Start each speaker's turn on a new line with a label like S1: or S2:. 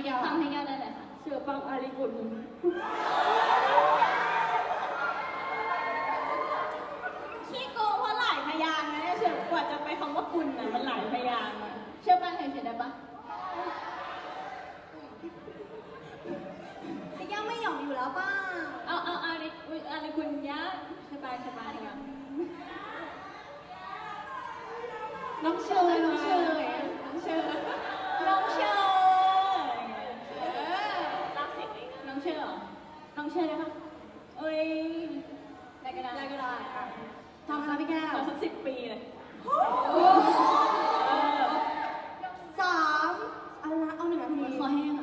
S1: พี่แก้ว
S2: ทำให้แก้วได้เลยค่ะ
S3: เชื่อปังอาริกุล
S1: ขี้โกงเพราะหลายพยางค์นะเนี่ยเฉยกว่าจะไปคำว่ากุลนะมันหลายพยางค์อะ
S2: เชื่อป้าเฉยๆได้ปะ
S1: พี่แก้วไม่หยอกอยู่แล้วป้า
S2: เอาอะไรคุณยะสบายสบายค่ะ
S1: น้องเชยน้องเชยน้องเชยน้องเชย
S2: รักเสียงเลยน้องเชื่อเหรอน้องเชื่อได้ปะเอ้ยได้ก็ได้
S1: ได้ก็ได้อ่ะทำนะพี่แก้ว
S2: ขอสัก10 ปีเลย
S1: 3อะไรนะเอา1 นาที
S2: คอแห้งเหรอ